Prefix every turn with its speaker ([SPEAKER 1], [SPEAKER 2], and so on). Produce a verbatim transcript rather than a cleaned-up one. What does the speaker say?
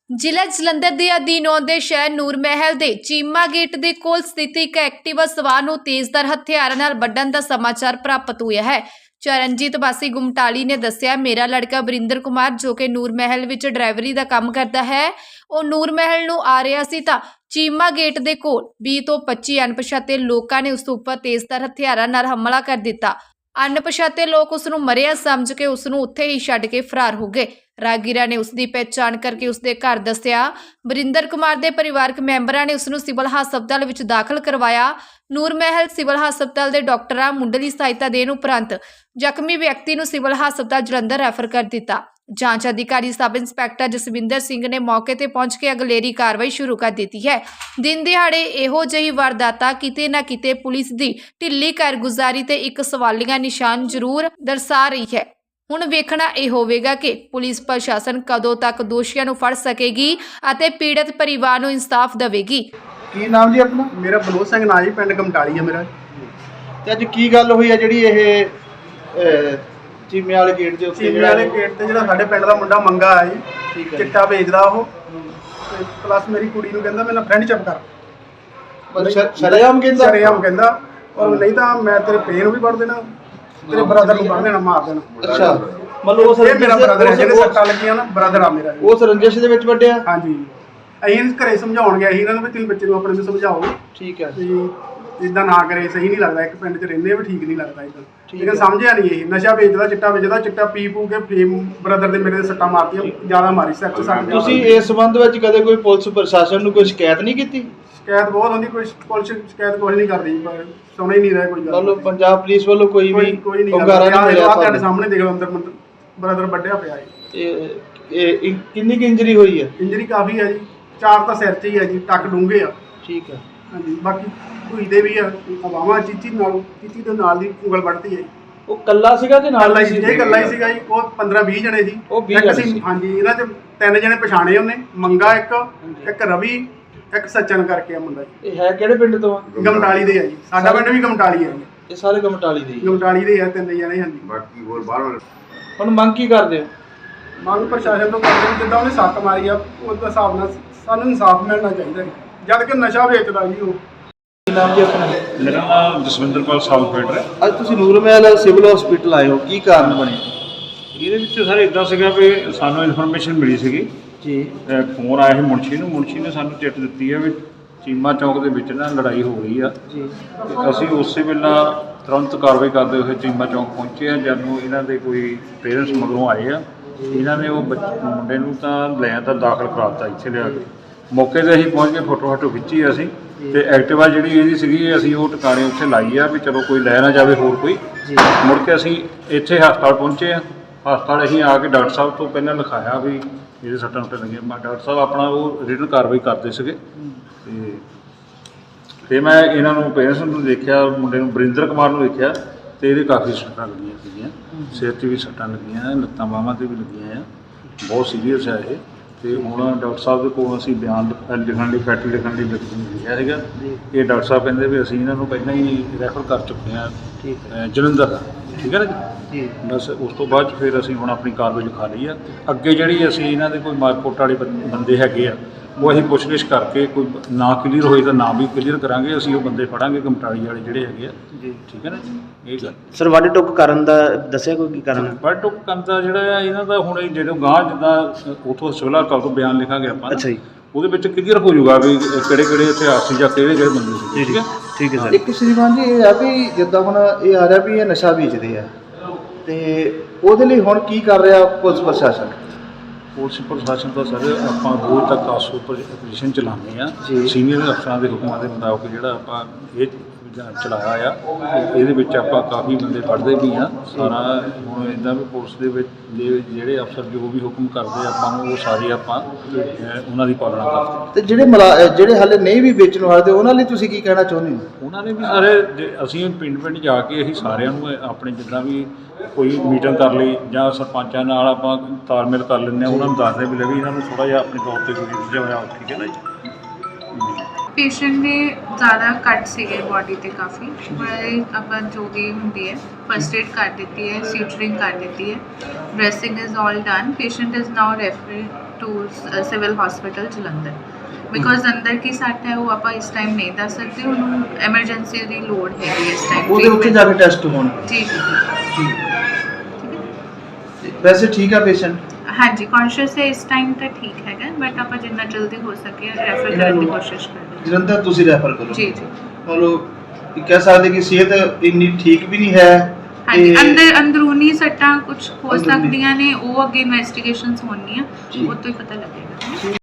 [SPEAKER 1] ਜ਼ਿਲ੍ਹਾ ਜਲੰਧਰ ਦੇ ਅਧੀਨ ਆਉਂਦੇ ਸ਼ਹਿਰ ਨੂਰ ਮਹਿਲ ਦੇ ਚੀਮਾ ਗੇਟ ਦੇ ਕੋਲ ਸਥਿਤ ਇੱਕ ਐਕਟਿਵਾ ਸਵਾਰ ਨੂੰ ਤੇਜ਼ਧਾਰ ਹਥਿਆਰਾਂ ਨਾਲ ਵੱਢਣ ਦਾ ਸਮਾਚਾਰ ਪ੍ਰਾਪਤ ਹੋਇਆ ਹੈ। ਚਰਨਜੀਤ ਵਾਸੀ ਗੁਮਟਾਲੀ ਨੇ ਦੱਸਿਆ, ਮੇਰਾ ਲੜਕਾ ਵਰਿੰਦਰ ਕੁਮਾਰ ਜੋ ਕਿ ਨੂਰ ਮਹਿਲ ਵਿੱਚ ਡਰਾਈਵਰੀ ਦਾ ਕੰਮ ਕਰਦਾ ਹੈ, ਉਹ ਨੂਰ ਮਹਿਲ ਨੂੰ ਆ ਰਿਹਾ ਸੀ ਤਾਂ ਚੀਮਾ ਗੇਟ ਦੇ ਕੋਲ ਵੀਹ ਤੋਂ ਪੱਚੀ ਅਣਪਛਾਤੇ ਲੋਕਾਂ ਨੇ ਉਸ ਉੱਪਰ ਤੇਜ਼ਧਾਰ ਹਥਿਆਰਾਂ ਨਾਲ ਹਮਲਾ ਕਰ ਦਿੱਤਾ। ਅਣਪਛਾਤੇ ਲੋਕ ਉਸ ਨੂੰ ਮਰਿਆ ਸਮਝ ਕੇ ਉਸ ਨੂੰ ਉੱਥੇ ਹੀ ਛੱਡ ਕੇ ਫਰਾਰ ਹੋ ਗਏ। ਰਾਗੀਰਾ ਨੇ ਉਸ ਦੀ ਪਹਿਚਾਣ ਕਰਕੇ ਉਸ ਦੇ ਘਰ ਦੱਸਿਆ। ਵਰਿੰਦਰ ਕੁਮਾਰ ਦੇ ਪਰਿਵਾਰਕ ਮੈਂਬਰਾਂ ਨੇ ਉਸ ਨੂੰ ਸਿਵਲ ਹਸਪਤਾਲ ਵਿੱਚ ਦਾਖਲ ਕਰਵਾਇਆ। ਨੂਰ ਮਹਿਲ ਸਿਵਲ ਹਸਪਤਾਲ ਦੇ ਡਾਕਟਰਾਂ ਮੁੱਢਲੀ ਸਹਾਇਤਾ ਦੇਣ ਉਪਰੰਤ ਜ਼ਖਮੀ ਵਿਅਕਤੀ ਨੂੰ ਸਿਵਲ ਹਸਪਤਾਲ ਜਲੰਧਰ ਰੈਫਰ ਕਰ ਦਿੱਤਾ। ਜਾਂਚ ਅਧਿਕਾਰੀ ਸਬ ਇੰਸਪੈਕਟਰ ਜਸਵਿੰਦਰ ਸਿੰਘ ਨੇ ਮੌਕੇ ਤੇ ਪਹੁੰਚ ਕੇ ਅਗਲੇਰੀ ਕਾਰਵਾਈ ਸ਼ੁਰੂ ਕਰ ਦਿੱਤੀ ਹੈ। ਦਿਨ ਦਿਹਾੜੇ ਇਹੋ ਜਿਹੀ ਵਾਰਦਾਤਾਂ ਕਿਤੇ ਨਾ ਕਿਤੇ ਪੁਲਿਸ ਦੀ ਢਿੱਲੀ ਕਾਰਗੁਜ਼ਾਰੀ ਤੇ ਇੱਕ ਸਵਾਲੀਆ ਨਿਸ਼ਾਨ ਜ਼ਰੂਰ ਦਰਸਾ ਰਹੀ ਹੈ। ਹੁਣ ਵੇਖਣਾ ਇਹ ਹੋਵੇਗਾ ਕਿ ਪੁਲਿਸ ਪ੍ਰਸ਼ਾਸਨ ਕਦੋਂ ਤੱਕ ਦੋਸ਼ੀਆਂ ਨੂੰ ਫੜ ਸਕੇਗੀ ਅਤੇ ਪੀੜਤ ਪਰਿਵਾਰ ਨੂੰ ਇਨਸਾਫ ਦੇਵੇਗੀ।
[SPEAKER 2] ਕੀ ਨਾਮ ਜੀ ਆਪਣਾ?
[SPEAKER 3] ਮੇਰਾ ਬਲੌਰ ਸਿੰਘ ਨਾਂ ਜੀ, ਪਿੰਡ ਗਮਟਾਲੀ ਹੈ ਮੇਰਾ।
[SPEAKER 2] ਤੇ ਅੱਜ ਕੀ ਗੱਲ ਹੋਈ ਹੈ ਜਿਹੜੀ ਇਹ ਅਹ, ਚੀਮੇ ਵਾਲੇ ਗੇਟ ਦੇ ਉੱਤੇ
[SPEAKER 3] ਚੀਮੇ ਵਾਲੇ ਗੇਟ ਤੇ ਜਿਹੜਾ ਸਾਡੇ ਪਿੰਡ ਦਾ ਮੁੰਡਾ ਮੰਗਾ ਆ ਜੀ,
[SPEAKER 2] ਠੀਕ ਹੈ,
[SPEAKER 3] ਚਿੱਟਾ ਵੇਚਦਾ ਉਹ, ਤੇ ਪਲੱਸ ਮੇਰੀ ਕੁੜੀ ਨੂੰ ਕਹਿੰਦਾ ਮੇਰਾ ਫਰੈਂਡ ਚਿਪ ਕਰ,
[SPEAKER 2] ਸ਼ਰੇਆਮ ਕਹਿੰਦਾ
[SPEAKER 3] ਸ਼ਰੇਆਮ ਕਹਿੰਦਾ, ਔਰ ਨਹੀਂ ਤਾਂ ਮੈਂ ਤੇਰੇ ਪੇ ਨੂੰ ਵੀ ਵੜ ਦੇਣਾ, ਤੇਰੇ ਬ੍ਰਦਰ ਨੂੰ ਵੜ ਦੇਣਾ, ਮਾਰ ਦੇਣਾ।
[SPEAKER 2] ਅੱਛਾ, ਮਤਲਬ ਉਸ
[SPEAKER 3] ਇਹ ਮੇਰਾ ਬ੍ਰਦਰ ਹੈ, ਜਿਹਨੇ ਸੱਟਾਂ ਲੱਗੀਆਂ ਨਾ, ਬ੍ਰਦਰ ਆ ਮੇਰਾ।
[SPEAKER 2] ਉਸ ਰੰਜਿਸ਼ ਦੇ ਵਿੱਚ ਵੱਢਿਆ?
[SPEAKER 3] ਹਾਂਜੀ, ਅਸੀਂ ਘਰੇ ਸਮਝਾਉਣ ਗਏ ਸੀ ਇਹਨਾਂ ਨੂੰ ਵੀ ਤੁਸੀਂ ਬੱਚੇ ਨੂੰ ਆਪਣੇ ਨੂੰ ਸਮਝਾਓ,
[SPEAKER 2] ਠੀਕ ਹੈ,
[SPEAKER 3] ਵੀ ਇਦਾਂ ਨਾ ਕਰੇ, ਸਹੀ ਨਹੀਂ ਲੱਗਦਾ, ਇੱਕ ਪਿੰਡ 'ਚ ਰਹਿੰਦੇ ਵੀ ਠੀਕ ਨਹੀਂ ਲੱਗਦਾ ਇਦਾਂ।
[SPEAKER 2] ਠੀਕ
[SPEAKER 3] ਲੇਕਿਨ ਸਮਝਿਆ ਨਹੀਂ, ਇਹ ਨਸ਼ਾ ਵੇਚਦਾ, ਚਿੱਟਾ ਵੇਚਦਾ, ਚਿੱਟਾ ਪੀ ਪੂ ਕੇ ਫੇਮ ਬ੍ਰਦਰ ਦੇ ਮੇਰੇ ਦੇ ਸੱਟਾਂ ਮਾਰਤੀਆਂ, ਜ਼ਿਆਦਾ ਮਾਰੀ ਸਿਰ 'ਚ ਸੱਟ।
[SPEAKER 2] ਤੁਸੀਂ ਇਸ ਸੰਬੰਧ ਵਿੱਚ ਕਦੇ ਕੋਈ ਪੁਲਿਸ ਪ੍ਰਸ਼ਾਸਨ ਨੂੰ ਕੋਈ ਸ਼ਿਕਾਇਤ ਨਹੀਂ ਕੀਤੀ?
[SPEAKER 3] ਸ਼ਿਕਾਇਤ ਬਹੁਤ ਹੁੰਦੀ, ਕੋਈ ਪੁਲਿਸ ਸ਼ਿਕਾਇਤ ਕੁਛ ਨਹੀਂ ਕਰਦੀ, ਪਰ ਸੁਣ ਹੀ ਨਹੀਂ ਰਿਹਾ ਕੋਈ ਗੱਲ।
[SPEAKER 2] ਮਤਲਬ ਪੰਜਾਬ ਪੁਲਿਸ ਵੱਲੋਂ ਕੋਈ ਵੀ
[SPEAKER 3] ਕੋਈ ਨਹੀਂ
[SPEAKER 2] ਹੁੰਗਾਰਾ ਨਹੀਂ ਮਿਲਿਆ?
[SPEAKER 3] ਤੁਹਾਡੇ ਸਾਹਮਣੇ ਦੇਖ ਲਓ, ਅੰਦਰ ਬ੍ਰਦਰ ਵੱਢਿਆ ਪਿਆ ਹੈ।
[SPEAKER 2] ਇਹ ਇਹ ਕਿੰਨੀ ਕੁ ਇੰਜਰੀ ਹੋਈ ਹੈ?
[SPEAKER 3] ਇੰਜਰੀ ਕਾਫੀ ਹੈ ਜੀ, ਚਾਰ ਤਾਂ ਸਿਰ 'ਚ ਹੀ ਹੈ ਜੀ, ਟੱਕ ਡੂੰਘੇ ਆ।
[SPEAKER 2] ਠੀਕ ਹੈ,
[SPEAKER 3] ਹਾਂਜੀ, ਬਾਕੀ ਧੂਈ ਦੇ ਵੀ ਆ, ਹਵਾਵਾਂ ਚੀਚੀ ਨਾਲ ਚੀਚੀ ਦੇ ਨਾਲ ਦੀ ਉਂਗਲ ਵੱਢਤੀ ਹੈ।
[SPEAKER 2] ਉਹ ਕੱਲਾ ਸੀਗਾ ਕਿ ਨਾਲ
[SPEAKER 3] ਕੱਲਾ ਹੀ ਸੀ, ਇਹ ਕੱਲਾ ਹੀ ਸੀਗਾ ਜੀ। ਉਹ ਪੰਦਰਾਂ ਵੀਹ ਜਣੇ ਸੀ,
[SPEAKER 2] ਉਹ ਵੀਹ
[SPEAKER 3] ਇੱਕ
[SPEAKER 2] ਜਣੇ
[SPEAKER 3] ਸੀ।
[SPEAKER 2] ਸੀ।
[SPEAKER 3] ਹਾਂਜੀ, ਇਹਨਾਂ 'ਚ ਤਿੰਨ ਜਣੇ ਪਛਾਣੇ ਉਹਨੇ, ਮੰਗਾ ਇੱਕ, ਇੱਕ ਰਵੀ, ਇੱਕ ਸੱਚਨ ਕਰਕੇ ਆ ਮੁੰਡਾ ਜੀ।
[SPEAKER 2] ਇਹ ਹੈ ਕਿਹੜੇ ਪਿੰਡ ਤੋਂ?
[SPEAKER 3] ਗਮਟਾਲੀ ਦੇ ਆ ਜੀ, ਸਾਡਾ ਪਿੰਡ ਵੀ ਗਮਟਾਲੀ ਹੈ ਜੀ।
[SPEAKER 2] ਇਹ ਸਾਰੇ ਗਮਟਾਲੀ ਦੇ ਹੀ?
[SPEAKER 3] ਗਮਟਾਲੀ ਦੇ ਆ ਤਿੰਨ ਜਣੇ। ਹਾਂਜੀ,
[SPEAKER 4] ਬਾਕੀ ਹੋਰ ਬਾਹਰ
[SPEAKER 2] ਹੁਣ ਮੰਗ ਕੀ ਕਰਦੇ ਹੋ?
[SPEAKER 3] ਮੰਗ ਪ੍ਰਸ਼ਾਸਨ ਤੋਂ ਕਰਦੇ, ਜਿੱਦਾਂ ਉਹਨੇ ਸੱਟ ਮਾਰੀ ਆ, ਉਸ ਹਿਸਾਬ ਨਾਲ ਸਾਨੂੰ ਇਨਸਾਫ ਮਿਲਣਾ ਚਾਹੀਦਾ ਜੀ, ਜਦ ਕਿ ਨਸ਼ਾ ਵੇਚਦਾ ਜੀ ਉਹ।
[SPEAKER 2] ਕੀ ਨਾਮ ਜੀ ਆਪਣਾ?
[SPEAKER 5] ਮੇਰਾ ਨਾਮ ਜਸਵਿੰਦਰ ਪਾਲ ਸਾਊਥਫੀਲਡ ਹੈ।
[SPEAKER 2] ਅੱਜ ਤੁਸੀਂ ਨੂਰ ਮਹਿਲ ਸਿਵਲ ਹਸਪੀਟਲ ਆਏ ਹੋ, ਕੀ ਕਾਰਨ ਬਣੇ?
[SPEAKER 5] ਇਹਦੇ ਵਿੱਚ ਸਰ ਇਦਾਂ ਸੀਗਾ ਵੀ ਸਾਨੂੰ ਇਨਫੋਰਮੇਸ਼ਨ ਮਿਲੀ ਸੀਗੀ
[SPEAKER 2] ਜੀ,
[SPEAKER 5] ਫੋਨ ਆਇਆ ਸੀ ਮੁਨਸ਼ੀ ਨੂੰ। ਮੁਨਸ਼ੀ ਨੇ ਸਾਨੂੰ ਚਿੱਠ ਦਿੱਤੀ ਹੈ ਵੀ ਚੀਮਾ ਚੌਂਕ ਦੇ ਵਿੱਚ ਨਾ ਲੜਾਈ ਹੋ ਗਈ ਆ
[SPEAKER 2] ਜੀ।
[SPEAKER 5] ਤੇ ਅਸੀਂ ਉਸੇ ਵੇਲੇ ਤੁਰੰਤ ਕਾਰਵਾਈ ਕਰਦੇ ਹੋਏ ਚੀਮਾ ਚੌਂਕ ਪਹੁੰਚੇ ਆ। ਜਦ ਨੂੰ ਇਹਨਾਂ ਦੇ ਕੋਈ ਪੇਰੈਂਟਸ ਮਗਰੋਂ ਆਏ ਆ, ਇਹਨਾਂ ਨੇ ਉਹ ਬੱਚੇ ਮੁੰਡੇ ਨੂੰ ਤਾਂ ਲੈ ਤਾਂ ਦਾਖਲ ਕਰਾਤਾ ਇੱਥੇ ਲਿਆ ਕੇ। ਮੌਕੇ 'ਤੇ ਅਸੀਂ ਪਹੁੰਚ ਕੇ ਫੋਟੋ ਫੋਟੋ ਖਿੱਚੀ ਅਸੀਂ, ਤੇ ਐਕਟਿਵਾ ਜਿਹੜੀ ਇਹਦੀ ਸੀਗੀ ਅਸੀਂ ਉਹ ਟਿਕਾਣੇ ਉੱਥੇ ਲਾਈ ਆ ਵੀ ਚਲੋ ਕੋਈ ਲੈ ਨਾ ਜਾਵੇ ਹੋਰ ਕੋਈ। ਮੁੜ ਕੇ ਅਸੀਂ ਇੱਥੇ ਹਸਪਤਾਲ ਪਹੁੰਚੇ ਆ। ਹਸਪਤਾਲ ਅਸੀਂ ਆ ਕੇ ਡਾਕਟਰ ਸਾਹਿਬ ਤੋਂ ਪਹਿਲਾਂ ਲਿਖਾਇਆ ਵੀ ਇਹਦੇ ਸੱਟਾਂ ਸੁੱਟਾਂ ਲੱਗੀਆਂ। ਡਾਕਟਰ ਸਾਹਿਬ ਆਪਣਾ ਉਹ ਰਿਟਨ ਕਾਰਵਾਈ ਕਰਦੇ ਸੀਗੇ। ਤੇ ਫਿਰ ਮੈਂ ਇਹਨਾਂ ਨੂੰ ਪੇਰੈਂਟਸ ਨੂੰ ਦੇਖਿਆ, ਮੁੰਡੇ ਨੂੰ ਵਰਿੰਦਰ ਕੁਮਾਰ ਨੂੰ ਦੇਖਿਆ, ਤੇ ਇਹਦੇ ਕਾਫੀ ਸੱਟਾਂ ਲੱਗੀਆਂ ਸੀਗੀਆਂ, ਸਿਰ 'ਤੇ ਵੀ ਸੱਟਾਂ ਲੱਗੀਆਂ, ਲੱਤਾਂ ਬਾਹਾਂ 'ਤੇ ਵੀ ਲੱਗੀਆਂ ਆ, ਬਹੁਤ ਸੀਰੀਅਸ ਹੈ ਇਹ। ਤੇ ਹੁਣ ਡਾਕਟਰ ਸਾਹਿਬ ਦੇ ਕੋਲ ਅਸੀਂ ਬਿਆਨ ਲਿਖਣ ਲਈ, ਫੈਟ ਲਿਖਣ ਲਈ ਲਿਖਿਆ ਸੀਗਾ। ਇਹ ਡਾਕਟਰ ਸਾਹਿਬ ਕਹਿੰਦੇ ਵੀ ਅਸੀਂ ਇਹਨਾਂ ਨੂੰ ਪਹਿਲਾਂ ਹੀ ਰੈਫਰ ਕਰ ਚੁੱਕੇ ਹਾਂ ਜਲੰਧਰ, ਠੀਕ ਹੈ ਨਾ ਜੀ। ਬਸ ਉਸ ਤੋਂ ਬਾਅਦ ਫਿਰ ਅਸੀਂ ਹੁਣ ਆਪਣੀ ਕਾਰਵਾਈ ਲਿਖਾ ਲਈ ਆ। ਅੱਗੇ ਜਿਹੜੀ ਅਸੀਂ ਇਹਨਾਂ ਦੇ ਕੋਈ ਮਾਰਕੋਟ ਵਾਲੇ ਬੰਦੇ ਹੈਗੇ ਆ, ਉਹ ਅਸੀਂ ਪੁੱਛਗਿੱਛ ਕਰਕੇ ਕੋਈ ਨਾ ਕਲੀਅਰ ਹੋਏ ਤਾਂ ਨਾ ਵੀ ਕਲੀਅਰ ਕਰਾਂਗੇ। ਅਸੀਂ ਉਹ ਬੰਦੇ ਫੜਾਂਗੇ ਗਮਟਾਲੀ ਵਾਲੇ ਜਿਹੜੇ ਹੈਗੇ ਆ ਜੀ, ਠੀਕ ਹੈ ਨਾ ਜੀ। ਇਹ ਗੱਲ
[SPEAKER 6] ਸਰ ਵੱਢ ਟੁੱਕ ਕਰਨ ਦਾ ਦੱਸਿਆ ਕੋਈ ਕੀ ਕਾਰਨ?
[SPEAKER 5] ਵੱਢ ਟੁੱਕ ਕਰਨ ਦਾ ਜਿਹੜਾ ਆ ਇਹਨਾਂ ਦਾ ਹੁਣ ਜਦੋਂ ਗਾਂਹ ਜਿੱਦਾਂ ਉੱਥੋਂ ਸਿਵਲ ਹਸਪਤਾਲ ਤੋਂ ਬਿਆਨ ਲਿਖਾਂਗੇ ਆਪਾਂ,
[SPEAKER 6] ਅੱਛਾ ਜੀ,
[SPEAKER 5] ਉਹਦੇ ਵਿੱਚ ਕਲੀਅਰ ਹੋ ਜਾਊਗਾ ਵੀ ਕਿਹੜੇ ਕਿਹੜੇ ਇਤਿਹਾਸ ਸੀ ਜਾਂ ਕਿਹੜੇ ਕਿਹੜੇ ਬੰਦੇ ਸੀ, ਠੀਕ ਹੈ
[SPEAKER 6] ਠੀਕ ਹੈ ਸਰ।
[SPEAKER 2] ਇੱਕ ਸ਼੍ਰੀਮਾਨ ਜੀ ਇਹ ਆ ਵੀ ਜਿੱਦਾਂ ਹੁਣ ਇਹ ਆ ਰਿਹਾ ਵੀ ਇਹ ਨਸ਼ਾ ਵੇਚਦੇ ਆ, ਤੇ ਉਹਦੇ ਲਈ ਹੁਣ ਕੀ ਕਰ ਰਿਹਾ ਪੁਲਿਸ ਪ੍ਰਸ਼ਾਸਨ?
[SPEAKER 5] ਪੁਲਿਸ ਪ੍ਰਸ਼ਾਸਨ ਦਾ ਸਰ ਆਪਾਂ ਰੋਜ਼ ਤੱਕ ਕਾਸੋ ਪੋਜੀਸ਼ਨ ਚਲਾਉਂਦੇ ਆ, ਸੀਨੀਅਰ ਅਫਸਰਾਂ ਦੇ ਹੁਕਮਾਂ ਦੇ ਮੁਤਾਬਕ ਜਿਹੜਾ ਆਪਾਂ ਇਹ ਚਲਾਇਆ ਆ। ਇਹਦੇ ਵਿੱਚ ਆਪਾਂ ਕਾਫੀ ਬੰਦੇ ਫੜਦੇ ਵੀ ਆ। ਸਾਰਾ ਹੁਣ ਇੱਦਾਂ ਵੀ ਪੁਲਿਸ ਦੇ ਵਿੱਚ ਜਿਹੜੇ ਅਫਸਰ ਜੋ ਵੀ ਹੁਕਮ ਕਰਦੇ ਆਪਾਂ ਨੂੰ, ਉਹ ਸਾਰੇ ਆਪਾਂ ਉਹਨਾਂ ਦੀ ਪਾਲਣਾ ਕਰਦੇ।
[SPEAKER 2] ਤੇ ਜਿਹੜੇ ਮਲਾ ਜਿਹੜੇ ਹਾਲੇ ਨਹੀਂ ਵੀ ਵੇਚਣ ਵਾਲੇ, ਉਹਨਾਂ ਲਈ ਤੁਸੀਂ ਕੀ ਕਹਿਣਾ ਚਾਹੁੰਦੇ ਹੋ?
[SPEAKER 5] ਉਹਨਾਂ ਨੇ ਵੀ ਸਾਰੇ ਅਸੀਂ ਪਿੰਡ ਪਿੰਡ ਜਾ ਕੇ ਅਸੀਂ ਸਾਰਿਆਂ ਨੂੰ ਆਪਣੇ ਜਿੱਦਾਂ ਵੀ ਕੋਈ ਮੀਟਿੰਗ ਕਰ ਲਈ ਜਾਂ ਸਰਪੰਚਾਂ ਨਾਲ ਆਪਾਂ ਤਾਲਮੇਲ ਕਰ ਲੈਂਦੇ ਹਾਂ, ਉਹਨਾਂ ਨੂੰ ਦੱਸਦੇ ਵੀ ਲੈ ਵੀ ਇਹਨਾਂ ਨੂੰ ਥੋੜ੍ਹਾ ਜਿਹਾ ਆਪਣੇ ਤੌਰ 'ਤੇ ਕੋਈ ਜਿਹਾ ਹੋਇਆ, ਠੀਕ ਹੈ ਨਾ ਜੀ।
[SPEAKER 4] ਪੇਸ਼ੈਂਟ ਦੇ ਜ਼ਿਆਦਾ ਕੱਟ ਸੀਗੇ ਬਾਡੀ ਤੇ ਕਾਫੀ, ਪਰ ਆਪਾਂ ਜੋ ਵੀ ਹੁੰਦੀ ਹੈ ਫਸਟ ਏਡ ਕਰ ਦਿੱਤੀ ਹੈ, ਸੀਟਰਿੰਗ ਕਰ ਦਿੱਤੀ ਹੈ, dressing is all done. Patient is now referred to civil hospital Jalandhar. Because ਅੰਦਰ ਕੀ ਸੱਟ ਹੈ ਉਹ ਆਪਾਂ ਇਸ ਟਾਈਮ ਨਹੀਂ ਦੱਸ ਸਕਦੇ, ਉਹਨੂੰ ਐਮਰਜੈਂਸੀ ਦੀ ਲੋੜ ਹੈਗੀ ਇਸ ਟਾਈਮ।
[SPEAKER 2] ਉਹਦੇ ਉੱਥੇ ਜਾ ਕੇ ਟੈਸਟ ਹੋਣ।
[SPEAKER 4] ਜੀ ਜੀ ਜੀ।
[SPEAKER 2] ਵੈਸੇ ਠੀਕ ਆ ਪੇਸ਼ੈਂਟ?
[SPEAKER 4] ਹਾਂਜੀ ਕੌਨਸ਼ੀਅਸ ਹੈ ਇਸ ਟਾਈਮ ਤਾਂ ਠੀਕ ਹੈਗਾ, ਬਟ ਆਪਾਂ ਜਿੰਨਾ ਜਲਦੀ ਹੋ ਸਕੇ ਰੈਫਰ ਕਰਨ ਦੀ ਕੋਸ਼ਿਸ਼ ਕਰਾਂਗੇ।
[SPEAKER 2] ਜਲੰਧਰ ਤੁਸੀਂ ਰੈਫਰ ਕਰੋ?
[SPEAKER 4] ਜੀ ਜੀ।
[SPEAKER 2] ਮਤਲਬ ਇਹ ਕਹਿ ਸਕਦੇ ਕਿ ਸਿਹਤ ਇੰਨੀ ਠੀਕ ਵੀ ਨਹੀਂ ਹੈ।
[SPEAKER 4] ਹਾਂਜੀ
[SPEAKER 2] ਤੇ
[SPEAKER 4] ਅੰਦਰ ਅੰਦਰੂਨੀ ਸੱਟਾਂ ਕੁਝ ਹੋ
[SPEAKER 2] ਅੰਦਰੂਨੀ।
[SPEAKER 4] ਸਕਦੀਆਂ ਨੇ, ਉਹ ਅੱਗੇ ਇਨਵੈਸਟੀਗੇਸ਼ਨਸ ਹੋਣਗੀਆਂ,
[SPEAKER 2] ਜੀ।
[SPEAKER 4] ਉਹ ਤੋਂ ਹੀ ਪਤਾ ਲੱਗੇਗਾ।